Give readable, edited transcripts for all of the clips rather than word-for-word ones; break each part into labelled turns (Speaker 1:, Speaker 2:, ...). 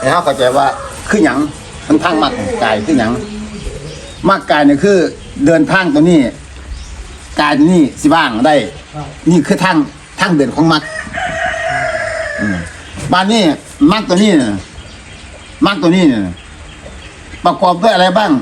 Speaker 1: แล้วเข้าใจว่าคือหยังมันทางมักกายคือหยังมักกายเนี่ยคือเดินทางตัวนี้กายตัวนี้สิบ้างได้นี่คือทางเดินของมักบ้านนี้มักตัวนี้เนี่ยมักตัวนี้เนี่ยประกอบด้วยอะไรบ้าง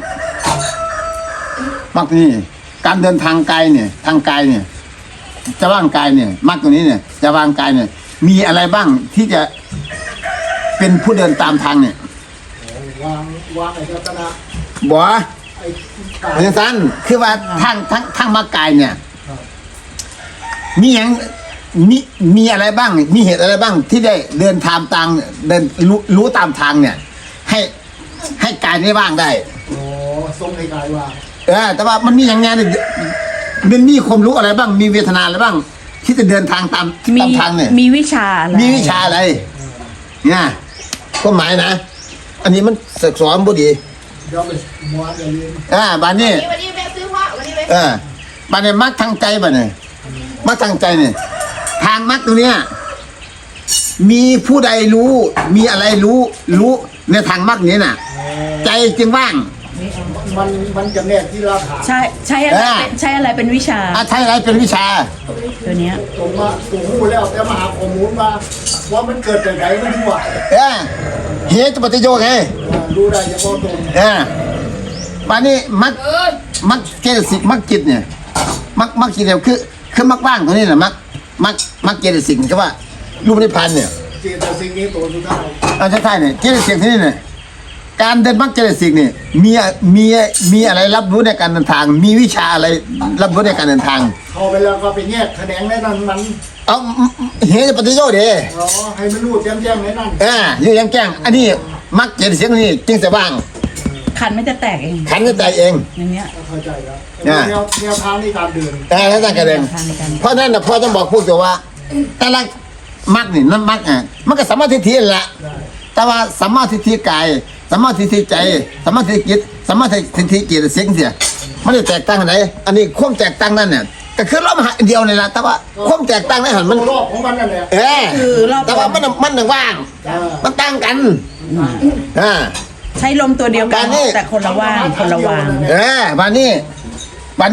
Speaker 1: มักตัวนี้การเดินทางกายเนี่ยทางกายเนี่ยจะว่างกายเนี่ยมักตัวนี้เนี่ยจะว่างกายเนี่ยมีอะไรบ้างที่จะเป็นผู้เดินตามทางเนี่ยวางไอ้เจ้าตนะบ่เพราะฉะนั้นคือว่าทางมักกายเนี่ยมีอย่างมีอะไรบ้างมีเหตุอะไรบ้างที่ได้เดินทางตามเดินรู้ตามทางเนี่ยให้กายได้บ้างได้
Speaker 2: โอ้ทรงในกายว่าง
Speaker 1: แต่ว่ามันมีอย่างไงเนี่ยมันมีความรู้อะไรบ้างมีเวทนาอะไรบ้างที่จะเดินทางตามทางเนี่ย
Speaker 3: มีวิชาอะไร
Speaker 1: มีวิชาอะไรเนี่ยก็หมายนะอันนี้มันศึกษาบุดี
Speaker 2: เดี๋ยวไปม้วนเรียน
Speaker 1: บ้านนี้
Speaker 4: วันนี้แม่ซื้อเพราะวันนี้
Speaker 1: บ้านนี้มักทางใจบ้านนี้มักทางใจเนี่ยทางมักตรงเนี้ยมีผู้ใดรู้มีอะไรรู้ในทางมักนี้น่ะใจจึงว่าง
Speaker 2: มันจะแนกที่เราถาม
Speaker 3: ใช้อะไรเป็นวิชา
Speaker 1: ใช้อะไรเป็นวิชา
Speaker 3: ตัวเนี้ย
Speaker 2: ตรงหูแล้วแต่มาหาข้อมูลมาว่ามันเกิดจากไหนมันทั่ว
Speaker 1: เหตุปฏิโยคไง
Speaker 2: รู้ได้เฉพาะตรง
Speaker 1: บ้านนี้มักเจตสิกมักจิตเนี่ยมักจิตเนี่ยคือมักว่างตัวนี้แหละมักเจตสิกก็ว่ารูปนิพพานเนี่ย
Speaker 2: เจตสิกนี้ตัวสุดท้าย
Speaker 1: ใช่เนี่ยเจตสิกที่นี่เนี่ยการเดินมักเจตสิกเนี่ยมีอะไรรับรู้ในการเดินทางมีวิชาอะไรรับรู้ในการเดินทาง
Speaker 2: เข้าไปแล้วก็ไปแยกแขนงในนั้นมัน
Speaker 1: เหตุปฏิโยคเด้
Speaker 2: ให้มันรู้แจ้งในนั้น
Speaker 1: อยู่แจ้งอันนี้มักเจตสิกนี่จึงจะว่าง
Speaker 3: ขันไม่จะแตกเอง
Speaker 1: ขันจะแตกเอง
Speaker 3: อย่างเนี้ย
Speaker 2: เข้าใจแล้วแนวทางในการเดิน
Speaker 1: แล้วทางการเดินเพราะนั้นนะพ่อต้องบอกพวกตัวว่าแต่ละมักนี่นั่นมักมันก็สัมมาทิฏฐิแหละแต่ว่าสัมมาทิฏฐิกายสัมมาทิฏฐิใจสัมมาทิฏฐิจิตสัมมาทิฏฐิเกียรติเสียงเสียมันจะแตกต่างกันไหนอันนี้ความแตกต่างนั่นเนี่ยก็คือรอบเดียวนี่แหละแต่ว่าความแตกต่างในหันมัน
Speaker 2: รอบของมันนั่นแหละ
Speaker 3: คือรอบ
Speaker 1: แต่ว่ามันหนึ่งว่างมันต่างกัน
Speaker 3: ใช้ลมตัวเดียวกันแต่คนละว่างคนละวาง
Speaker 1: วันนี้มัน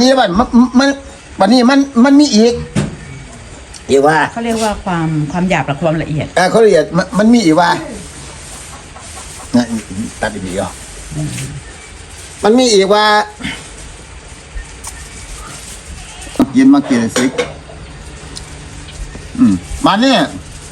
Speaker 1: มีอีกว่า
Speaker 3: เขาเรียกว่าความหยาบและความละเอียด
Speaker 1: เขาละเอียดมันมีอีกว่าตัดดีๆอ่ะมันมีอีกว่าเย็นมาเกียรติสิกมาเนี่ย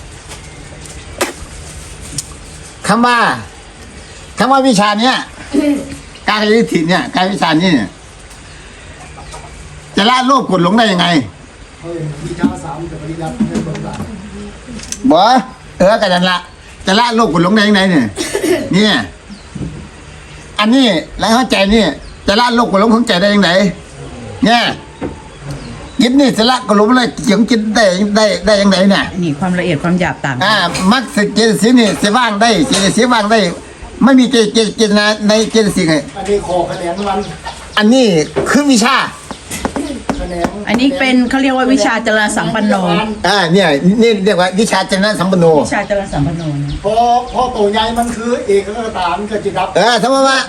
Speaker 1: คำว่าวิชาเนี้ยการเรียนถิ่นเนี่ยการวิชานี้เนี่ยจะละโลภกดหลงได้ยังไง
Speaker 2: วิชา3จะปริยัติในบทบาท
Speaker 1: บ่กันนั่นละจะละโลภกดหลงได้ยังไงเนี่ยอันนี้แล้วเข้าใจนี่จะละโลภกดหลงของใจได้ยังไงเนี่ยจิตนี่จะละกดหลงอะไรเกี่ยวกับจิตได้ยังไงเนี่ย
Speaker 3: นี่ความละเอียดความหยาบต่าง
Speaker 1: มักเจตสิกนี่จะว่างได้เจตสิกว่างได้ไม่มีเจตนาในเจตสิก
Speaker 2: อันนี้ขอคะแนนมัน
Speaker 1: อันนี้คือวิชา
Speaker 3: อันนี้เป็นเขาเรียกว่าวิชาจรสัมปันโน
Speaker 1: เนี่ยนี่เรียกว่าวิชาจรสัมปันโน
Speaker 3: วิชาจรสัมปันโน
Speaker 2: พอตัวใหญ่มันคือเอกคตามันก็จิตรับ
Speaker 1: สมมติว่า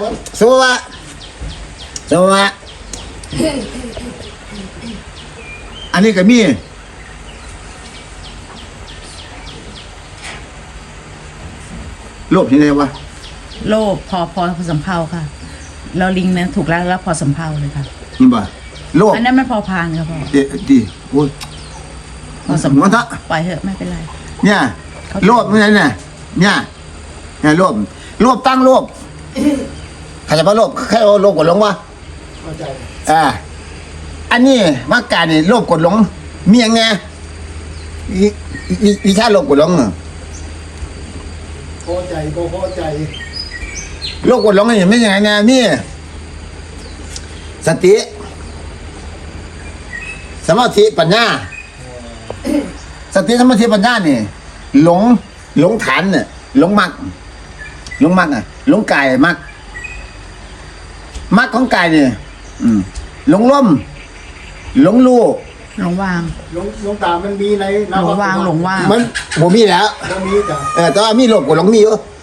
Speaker 1: อันนี้ก็มีโลภที่ไหนวะ
Speaker 3: โลภพอสำเภาค่ะเราลิงนะถูกแล้วพอสำเภาเลยค่ะ
Speaker 1: นี่บ่โลภ
Speaker 3: อันนั้นมันพอพานครับพ่อ
Speaker 1: ดีโอ้ย
Speaker 3: พอสำเภาปล่อยเถอะไม่เป็นไร
Speaker 1: เนี่ยโลภไม่ใช่เนี่ยโลภตั้งโลภใครจะมาโลภใครโลภกดหลงวะ
Speaker 2: เข้าใจ
Speaker 1: อันนี้มักการนี่โลภกดหลงมีอย่างไงวิชาโลภกดหลง
Speaker 2: พอใจ
Speaker 1: โลภกดหลงนี่ไม่ยังไงนะนี่สติสมาธิปัญญาสติสมาธิปัญญาเนี่ยหลงฐานเนี่ยหลงมักอ่ะหลงกายมักของกายเนี่ยหลงล้มหลงลู่
Speaker 3: หลงวาง
Speaker 2: หลงตามันมีใน
Speaker 3: หลงวาง
Speaker 1: มันบ่มีแล้ว
Speaker 2: บ่มีจ้ะ
Speaker 1: แต่ว่ามีโลภกับหลงมีอยู่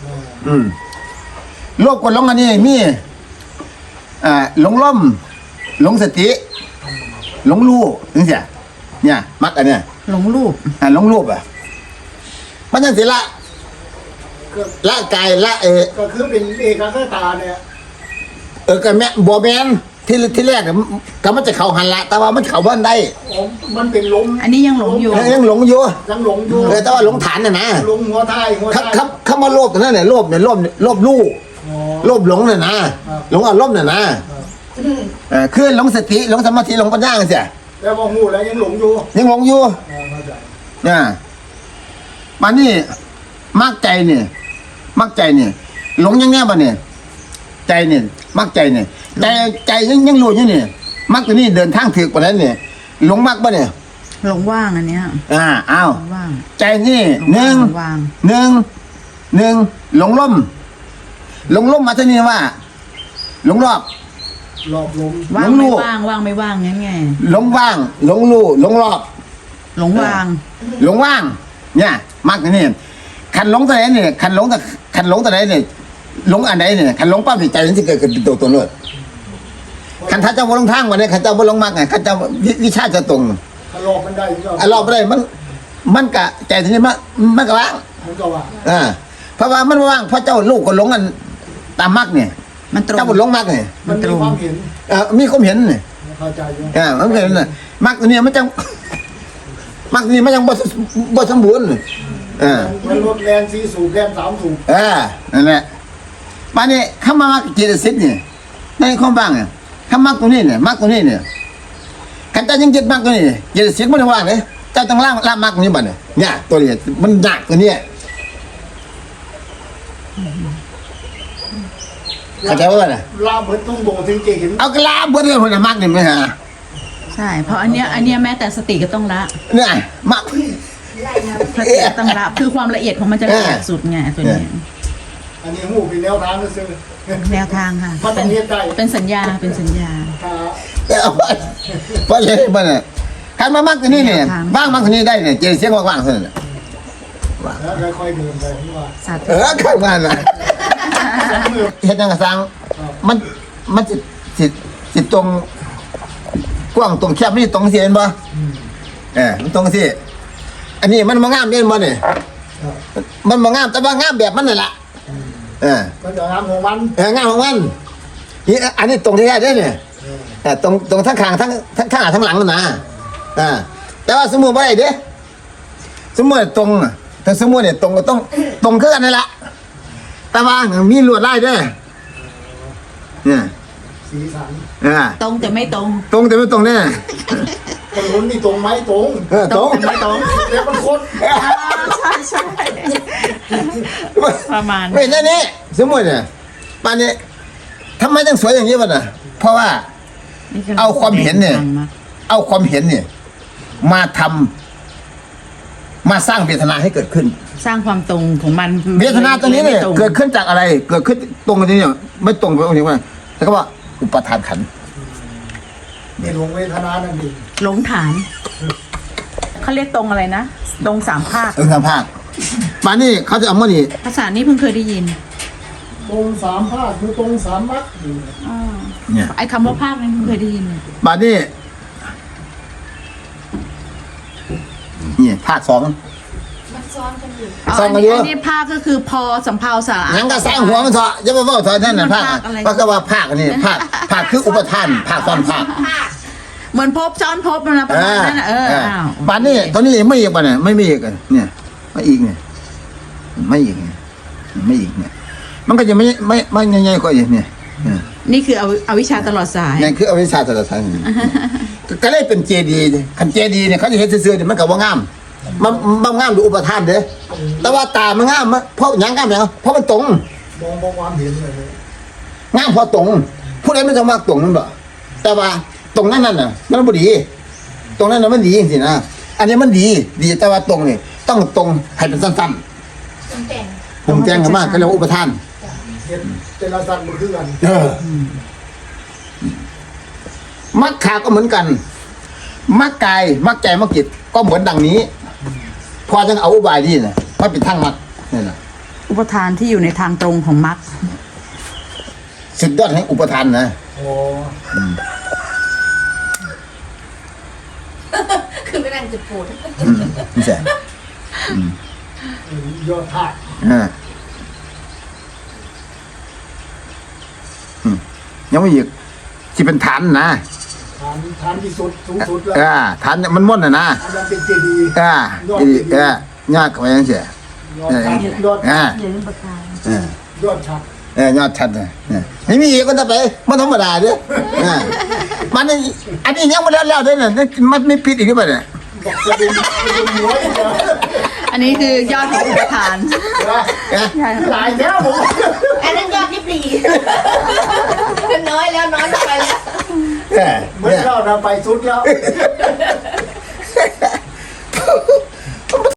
Speaker 1: โลภกับหลงอันนี้มีหลงล่มหลงสติหลงรู้ถึงเสียเนี่ยมักอันเนี้ย
Speaker 3: หลงรูป
Speaker 1: หลงรูปมันยังสิละกายละ
Speaker 2: ก็คือเป็นเอกคตาเนี่ย
Speaker 1: ก็แม่บัวแมนที่แรกก็มันจะเข้าหันละแต่ว่ามันเข้าบ้านได้
Speaker 2: มันเป็นลม
Speaker 3: อันนี้ยังหลงอยู่
Speaker 1: ยังหลงอยู่
Speaker 2: ยังหลงอยู่
Speaker 1: แต่ว่าหลงฐานน่ะนะ
Speaker 2: หลงหัวท้ายหัวท้าย
Speaker 1: เขามาโลภตรงนั้นเนี่ยโลภลู่โลภหลงน่ะนะหลงอารมณ์น่ะนะคือหลงสติหลงสมาธิหลงปัญญาเสีย
Speaker 2: แล้วพอหูแล้วยังหลงอยู่
Speaker 1: ยังหลงอยู่
Speaker 2: เข้าใจ
Speaker 1: เนี่ยมันนี่มักใจเนี่ยหลงยังแน่บ่เนี่ยใจเนี่ยมักใจเนี่ยใจยังรู้อยู่เนี่ยมักตัวนี้เดินทางถึกกว่านั้นเนี่ยหลงมักบ่เนี่ย
Speaker 3: หลงว่างอันเนี้ย
Speaker 1: อ้าว
Speaker 3: หลงว่าง
Speaker 1: ใจนี่หนึ่ง
Speaker 3: ว่าง
Speaker 1: หลงล่มมาที่นี่ว่า หลงรอบ
Speaker 2: หลอกลม
Speaker 3: ว่าง
Speaker 1: หลงรู
Speaker 3: ไม่
Speaker 1: ป
Speaker 3: ว่างว่างไม่ว่างงั้นไง
Speaker 1: หลงว่างหลงลู่หลงรอบ
Speaker 3: หลงว่าง
Speaker 1: หลงว่าง เนี่ยมักตัวนี้ขันหลงตัวไหนเนี่ยขันหลงตัวไหนเนี่ยหลงอันไหนเนี่ยขันหลงปั๊บใจมันจะเกิดเป็นตัวเลยขันถ้าเจ้าบ่ลงทางมาเนี่ยขันเจ้าบ่ลงมักไงขันเจ้าวิชาจะตรง
Speaker 2: ถ้าหลอกมันได้ก็
Speaker 1: รอบไปได้มันกะใจทีนี้มันกะว่าง
Speaker 2: มันก็ว่า
Speaker 1: เพราะว่ามันว่างเพราะเจ้าลูกก็หลงกันตามมักเนี่ย
Speaker 3: มันตรง
Speaker 1: เจ้าบ่หลงมักเนี่ย
Speaker 2: มันมีความเห็น
Speaker 1: มีความเห็นเนี่ย
Speaker 2: เข้าใจอยู่
Speaker 1: มันเห็นน่ะมักตัวนี้มันจังมักตัวนี้มันยังบ่สมบูรณ์
Speaker 2: มันลดแรงสีสูบแรง3สูบ
Speaker 1: นั่นแหละมาเนี่ยข้ามามักเจตสิกเนี่ยในความว่างเนี่ยข้ามักตัวนี้เนี่ยมักตัวนี้เนี่ยขันเจ้ายังยึดมักตัวนี้เจตสิกมันว่างเลยเจ้าต้องล่ามักตัวนี้บัดเนี่ยตัวนี้มันหนักตัวนี้เข้าใจว่าน่ะ
Speaker 2: ลาเบิดต้องโบถึงจะเห็น
Speaker 1: เอากระลาเบิดเลยคนน่ะมักนี่ไหมฮะ
Speaker 3: ใช่เพราะอันเนี้ยแม้แต่สติก็ต้องละ
Speaker 1: เนี่ยมัก
Speaker 3: สติก็ต้องละคือความละเอียดของมันจะละเอียดสุดไงตัวนี้
Speaker 2: อันนี้หูเป็นแนวทางก็ซื้อ
Speaker 3: แนวทางค่ะ
Speaker 2: มันต้องเฮ็ดได้
Speaker 3: เป็นสัญญาเป็นสัญญา
Speaker 1: เพราะเลยมันน่ะขันมามักตัวนี้เนี่ยว่างมักตัวนี้ได้เนี่ยเจตสิกว่างๆเท่านั้น
Speaker 2: แล้วค่อยๆเดินไปที่ว่า
Speaker 3: สาธุ
Speaker 1: ข้างบ้านน่ะเฮ็ดจังกะสังมันสิตรงกว้างตรงแคบนี่ตรงสิเห็นบ่มันตรงสิอันนี้มันบ่งามเด้บ่เนี่ยมันบ่งามแต่ว่างามแบบมันนั่นล่ะ
Speaker 2: มันจะงามของมัน
Speaker 1: งามของมันนี่อันนี้ตรงที่แท้เด้เนี่ยตรงทั้งข้างทั้งข้างทั้งหลังนั่นนะแต่ว่าสมมุติบ่ได้เด้สมมุติตรงถ้าสมมุติเนี่ยตรงก็ต้องตรงคือกันนั่นล่ะแต่ว่ามีลวดลายเด้เนี่ย
Speaker 2: สีสัน
Speaker 3: ตรงแต่ไม่ตรง
Speaker 1: ตรงแต่ไม่ตรงเนี่ย
Speaker 2: คนลุ้นนี่ตรงไหมตรง
Speaker 1: ตรง
Speaker 3: แต่ไม่ตรง
Speaker 2: เดี๋ยวมันโคตร
Speaker 3: ใช่ประมาณ
Speaker 1: ไม่นั่นนี่สมมติเนี่ยป่านนี้ทำไมต้องสวยอย่างนี้วะน่ะเพราะว่าเอาความเห็นเนี่ยมาทำมาสร้างเวทนาให้เกิดขึ้น
Speaker 3: สร้างความตรงของมัน
Speaker 1: เวทนาตัวนี้เนี่ย
Speaker 3: ไม่ตรง
Speaker 1: เกิดขึ้นจากอะไร เกิดขึ้นตรงกันนี้เนี่ยไม่ตรงไปตรงนี้ว่าแต่ก็ว่าอุปทานขันธ์
Speaker 2: นี่หลงเวทนานั่นเอง
Speaker 3: หลงฐานเขาเรียกตรงอะไรนะตรงสามภาค
Speaker 1: ทางภาคป่านนี้เขาจะเอามานี่
Speaker 3: ภาษานี้เพิ่งเคยได้ยิน
Speaker 2: ตรง3ภาคคือตรง3มรรค
Speaker 1: เนี่ย
Speaker 3: ไอ้คำว่าภาคนั้นเพิ่งเคยได้ยินเลย
Speaker 1: ป่านนี้นี่ภาค 2 ซ้อมกันเยอะ
Speaker 3: อันนี้ภาคก็คือพอสำเภาสาระ
Speaker 1: หยังก็สร้างหัวมันเถอะอย่ามาว่าเถอะนั่นน่ะภาคเพราะก็ว่าภาคอันนี้ภาคคืออุปทานภาคซ้อนภาค
Speaker 3: เหมือนพบซ้อนพบมันนะประมาณนั้นน่ะอ้าว
Speaker 1: ป่านนี้ตอนนี้ไม่อีกป่ะเนี่ยไม่อีกอ่ะเนี่ยไม่อีกเนี่ยไม่อีกเนี่ยไม่อีกเนี่ยมันก็จะไม่ง่ายๆกว่าอีกเนี่ย
Speaker 3: นี่คือเอาวิชาตลอดสาย
Speaker 1: นั่นคืออวิชชาตระสังก็เลยเป็นเจดีย์คันเจดีย์เนี่ยเขาจะเห็นซื่อๆเนี่ยมันก็บ่งามมันงามดูอุปทานเด้อแต่ว่าตามันงามเพราะหยังงามหยังเพราะมันตรง
Speaker 2: มองความเห็นเลย
Speaker 1: งามเพราะตรงผู้ใดไม่ต้องมากตรงนั่นบ่แต่ว่าตรงนั้นน่ะมันบ่ดี ตรงนั้นน่ะมันดีจริงๆนะอันนี้มันดีแต่ว่าตรงนี่ต้องตรงให้เป็นสั้นๆผมแต่งกันมากก็เรียกว่าอุปทาน
Speaker 2: เห็นแต่ละสัตว์มันคือกัน
Speaker 1: มักขาก็เหมือนกัน มักกายมักใจมักจิตก็เหมือนดังนี้ พอจะเอาอุบายนี่นะมันเป็นทางมักนี่นะอุ
Speaker 3: ปทานที่อยู่ในทางตรงของมรรค
Speaker 1: สุดยอดแห่งอุปทานนะ
Speaker 2: โอ้
Speaker 4: คือไม่นั่งจะปวด
Speaker 1: นี่ใช่
Speaker 2: ยอดธาตุ
Speaker 1: ยังไม่หยิกที่เป็นฐานนะ
Speaker 2: ฐานที่สุดสูงสุดแล้ว
Speaker 1: ฐานมันม่วนนะ
Speaker 2: อันนั้นเป็นเจดีย์
Speaker 1: ยากกว่ายังเสีย
Speaker 2: ยอดธาตุยอด
Speaker 3: อย่าลืมประการ
Speaker 2: ยอดชัด
Speaker 1: ยอดชัดเลยไม่มีอีกก็จะไปมันธรรมดาด้วยมันอันนี้ยังไม่แล้วด้วยเนี่ยมันไม่ผิดอีกหรือเปล่าเนี่ย
Speaker 2: บอกกระดุมหัวอีกแล้ว
Speaker 3: อันนี้คือยอดของอุปทาน
Speaker 2: หลายแล้วผม
Speaker 4: อันนั้นยอดที่ปลีน้อยแล้วน้อยลงไปแล้ว
Speaker 2: เหมือนเราไปสุดแล้ว